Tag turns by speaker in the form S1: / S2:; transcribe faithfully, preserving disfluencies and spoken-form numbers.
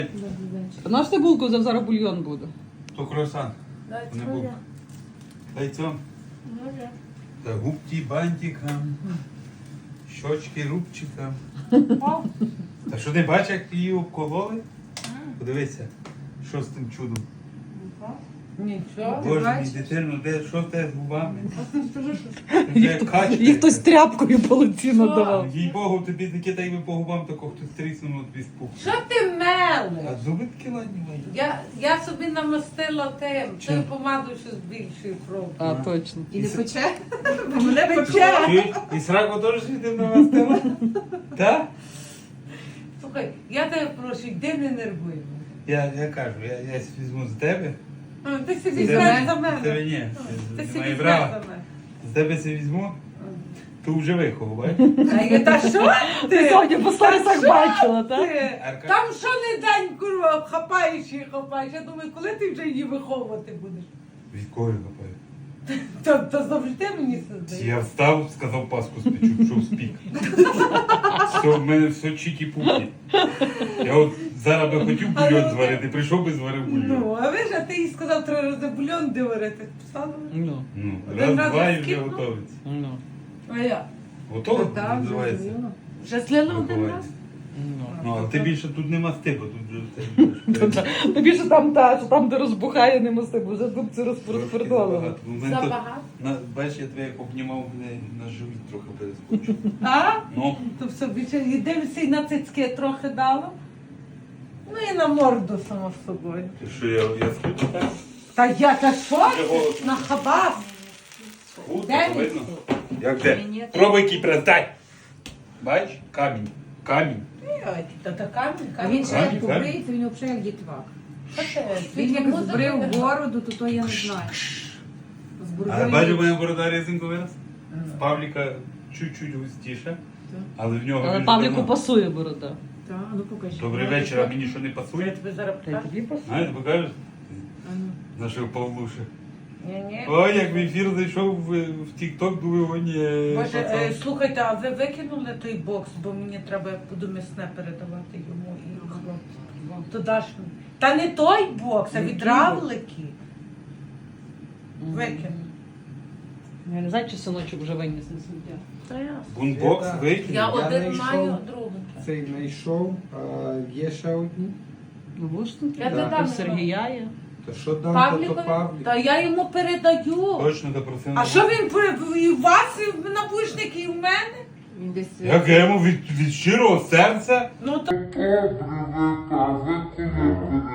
S1: Наш ти булку, зараз бульйон буде.
S2: То круасан.
S3: Дай
S2: Не
S3: цьому.
S2: булка. Дай цьому.
S3: Може.
S2: Та губки бантикам. Щочки рубчикам.
S3: О,
S2: Та що ти бачиш, як її обкололи? Подивися, що з тим чудом.
S3: нічого.
S2: Боже мій
S3: бачиш?
S2: дитино, де, що в тебе з губами?
S1: Їх,
S2: Це качка.
S1: їх хтось тряпкою по лиці надавав.
S2: Їй Богу, тобі таке так би по губам, тако хтось тріснув тобі спух.
S3: Що ти
S2: А
S3: мелиш?
S2: зуби такі ладні мої.
S3: Я, я собі намастила тим,
S2: Чим?
S3: тим помадою, що збільшує кров.
S1: А, точно.
S4: І не пече? Бо мене пече.
S2: Ти і сраку теж світив на вас тела? Так?
S3: Слухай, я тебе прошу, йди не нервуй. мене.
S2: Я, я кажу, я, я візьму з тебе.
S3: А, Ти собі
S2: З
S3: візьмеш
S2: тебе-
S3: за
S2: з
S3: мене.
S2: тебе ні.
S3: Ти
S2: З
S3: собі
S2: моєї
S3: візьмеш
S2: брава.
S3: за мене.
S2: З тебе це візьму, то вже вихову, бачиш?
S3: А я, та що
S1: Ти сьогодні по сторісах бачила, так?
S3: ти?
S2: Арка-
S3: Там що не день, курва, хапаєш і хапаєш. Я думаю, коли ти вже її виховувати будеш?
S2: Від кого я копаю?
S3: То, то завжди мені це
S2: Я
S3: здається.
S2: встав, сказав паску спечу, пішов спік. Все, в мене все чікі-пукі. Я от зараз би хотів бульйон зварити, прийшов би зварив бульйон.
S3: Ну, а ви ж, а ти їй сказав три рази бульйон де варити. Писала?
S1: Ну,
S2: Ну,
S3: Один
S2: раз,
S3: раз
S2: два і вже
S3: скипнув?
S2: готовиться.
S1: ну,
S3: А я?
S2: Готово?
S4: Так,
S2: Називається.
S4: зрозуміло.
S3: Вже слила один
S2: Виховання.
S3: раз?
S1: ну.
S2: Ну, а ти більше тут нема стипу, тут вже все.
S1: Тобі ж там та, що там, де розбухає, не мости, бо вже дубці розпродолили.
S2: Багато. Ну, в мене тут-
S3: Забагато?
S2: на- Бачиш, я тебе як обнімав, мене на живіт трохи перескочив.
S3: А?
S2: Ну,
S3: То все більше і дивишся, і на цицьки трохи дало. Ну і на морду само собою.
S2: ти що я, я схуд так?
S3: Та я та що?
S2: Я голодний.
S3: На хабас.
S2: Схуд,
S3: Де
S2: то
S3: він?
S2: видно. Як де?
S4: Ні, ні.
S2: Пробуй який прес, Бач? Камінь. Камінь.
S3: Ой, Та та камінь,
S4: А
S3: камінь.
S4: він ще
S2: Камінь,
S4: як побриється, він взагалі як дітвак.
S3: Що це?
S4: Він як
S3: Музика
S4: збрив
S3: грає?
S4: бороду, то то я не знаю. З
S2: А
S4: бородою.
S2: бачу, моя борода резинку вирос? В Павліка чуть-чуть густіше, але в нього
S1: Але
S2: він
S1: Павліку
S2: давно.
S1: пасує борода.
S4: Так, ну покажи.
S2: Добрий вечір, а мені що не
S3: Я
S2: пасує?
S3: тобі зараз
S1: Та й
S3: покажу.
S1: тобі пасує.
S2: Знаєте, покажеш?
S4: А ну.
S2: Нашого Павлуша.
S3: Ні-ні.
S2: Ой, як в ефір зайшов в, в Тік-Ток, думаю, о ні.
S3: Боже, е,
S2: пацан.
S3: слухайте, а ви викинули той бокс, бо мені треба буду м'ясне передавати йому і хлопцю. То даш мені. Та не той бокс, а
S1: Який
S3: від равлики. Викинув.
S1: Я не знаю, чи синочок вже виніс на сміття.
S3: Та ясно.
S2: Бунбокс
S5: Я-
S2: викинув.
S3: Я
S5: Я
S3: один
S5: знайшов.
S3: маю, а другий.
S5: Цей знайшов, а є ще одні.
S1: Ну, бачиш тут?
S3: Я
S5: Да.
S3: не дам.
S1: У Сергія є.
S5: То що дам, то, то
S3: Павлікові?
S5: Павлік.
S3: Та я йому передаю.
S2: Точно допросив.
S3: А що він при- і у вас і в навушники, і в мене?
S4: Він десь.
S2: Як я йому від, від щирого серця?
S3: Ну то
S2: Добре,